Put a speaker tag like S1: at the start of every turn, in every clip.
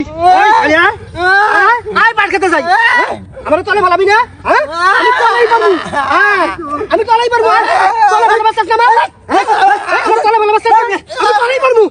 S1: আয় পাট খেতে যাই আমার তলে ভালাবি না আমি তলাই পারবো তলে ভালো বাচ্চা না আমার তলে ভালো বাচ্চা আমি তলাই পারবো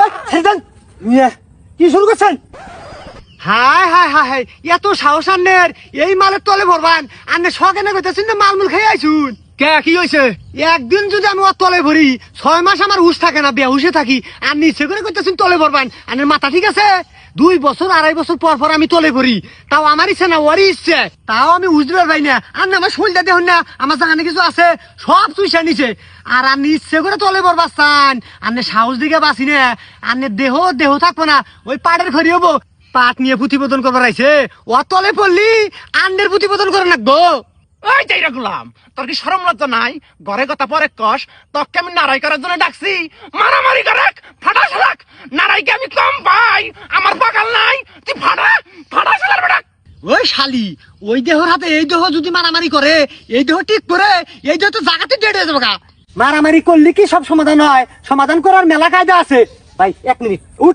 S1: কি শুরু করছেন? হাই হাই হাই হাই এত সাহস আন্নের এই মালের তলে ভরবান আন্নে শখেনে কইতেছেন না মালমুল খেয়ে আইছুন কে কি হয়েছে? একদিন যদি আমি ওর তলে ভরি 6 মাস আমার হুশ থাকে না বেহুশে থাকি আর নিচে করে কইতেছেন তলে ভরবান আন্নের মাথা ঠিক আছে? 2 বছর 2.5 বছর পর পর আমি তলে ভরি তাও আমার ইচ্ছে না ওরই ইচ্ছে তাও আমি উজরে পাই না আর আমার শরীরটা দেখুন না আমার জায়গানে কিছু আছে সব চুইসা নিছে আর আপনি ইচ্ছে করে তলে ভরবাচ্ছান আপনি সাহস দিকে বাঁচি না আপনি দেহ থাকবো না ওই পাড়ের খড়ি হবো পাট নিয়ে প্রতিবেদন করবার আইছে ও তলে পড়লি আন্ডের প্রতিবেদন করে রাখবো
S2: ওই যাইরা গুলাম তোর কি শরম লজ্জা নাই ঘরে কথা পরে কষ তোকে আমি নারাই করার জন্য ডাকছি মারামারি করাক ফাটা সালাক নারাইকে আমি কম পাই আমার বাগাল নাই তুই ফাটা সালার বেটা
S1: ওই শালি ওই দেহর হাতে এই দেহ যদি মারামারি করে এই দেহ ঠিক করে এই দেহ তো জায়গাতে ডেড হয়ে যাবে মারামারি করলে কি সব সমাধান হয়? সমাধান করার মেলা কায়দা আছে ভাই 1 মিনিট উঠ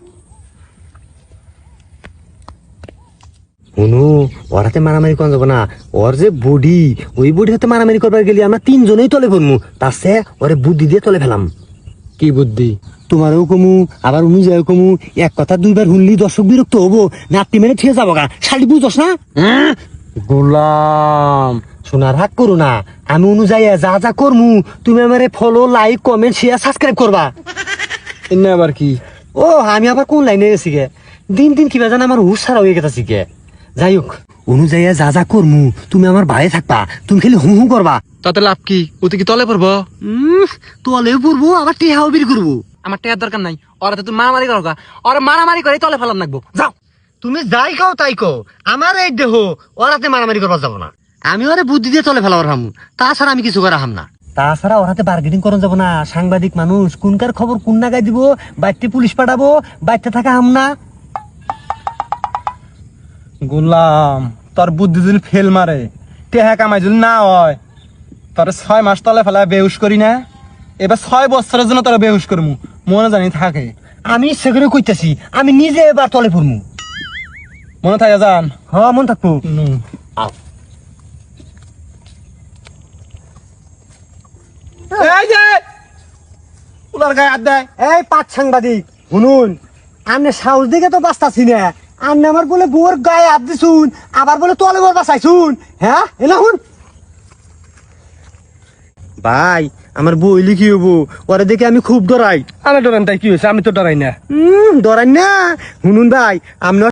S1: অনু ওর হাতে মারামারি করা যাবো না ওর যে বডি ওই বডি হাতে মারামারি করবার গেলে আমরা 3 জনেই তলে পড়মু তাছে ওরে বুদ্ধি দিয়ে তলে ফেলাম কি বুদ্ধি তোমারও কমু আবার অনুযায়ী কমু এক কথা 2 বার শুনলি দর্শক বিরক্ত হবো নাতি মেরে ঠিক যাবো গা শালি বুঝছ না গোলাম শোনার হাক করো না আমি অনুযায়ী যা যা করমু তুমি আমারে follow like comment share subscribe করবা এনে আবার কি ও আমি আবার কোন লাইনে গেছি গে দিন কিবা জানা আমার হুশ ছাড়া হয়ে গেছে গে যাই হোক অনুযায়ী যা যা করমু তুমি আমার ভাই থাকবা তুমি খালি হু হু করবা
S2: তাতে লাভ কি ওতে কি তলে পড়বো
S1: তলেও পড়বো আবার টেহাও বের করবো
S2: আমার টেয়ার দরকার নাই ওরা তুই মারামারি করো ওরা মারামারি করে তলে ফেলাম লাগবো যাও
S1: তুমি যাই কও তাই কও আমার এই দেহ ওরাতে মারামারি করবার যাবো না আমি ওরে বুদ্ধি দিয়ে তলে ফেলাবার হামু তাছাড়া আমি কিছু করা হাম না তাছাড়া ওরাতে বার্গেনিং করা যাবো না সাংবাদিক মানুষ কোনকার খবর কোন নাগায় দিব বাইতে পুলিশ পাঠাবো বাইতে থাকা হাম না
S3: গোলাম তোর বুদ্ধি যদি ফেল মারে টেহা কামাই যদি না হয় তোর 6 মাস তলে ফেলা বেহুশ করি না এবার 6 বছরের জন্য তোরা বেহুশ করমু মনে জানি থাকে
S1: আমি ইচ্ছে করে কইতাছি আমি নিজে এবার তলে পড়মু
S3: মনে থাকে জান
S1: হ্যাঁ মন থাকবো
S3: এই যে উলার গায়ে হাত দেয়
S1: এই 5 সাংবাদিক শুনুন আপনি সাহস দিকে তো বাঁচতাছি না আপনি আমার বলে বোর গায়ে হাত দিছুন আবার বলে তলে বোর বাঁচাইছুন হ্যাঁ এলা শুন ভাই আমার বই লিখি হবো ওরে দেখে আমি খুব ডরাই
S3: আমি ডরান তাই কি হয়েছে আমি তো ডরাই না
S1: ডরাই না শুনুন ভাই আপনি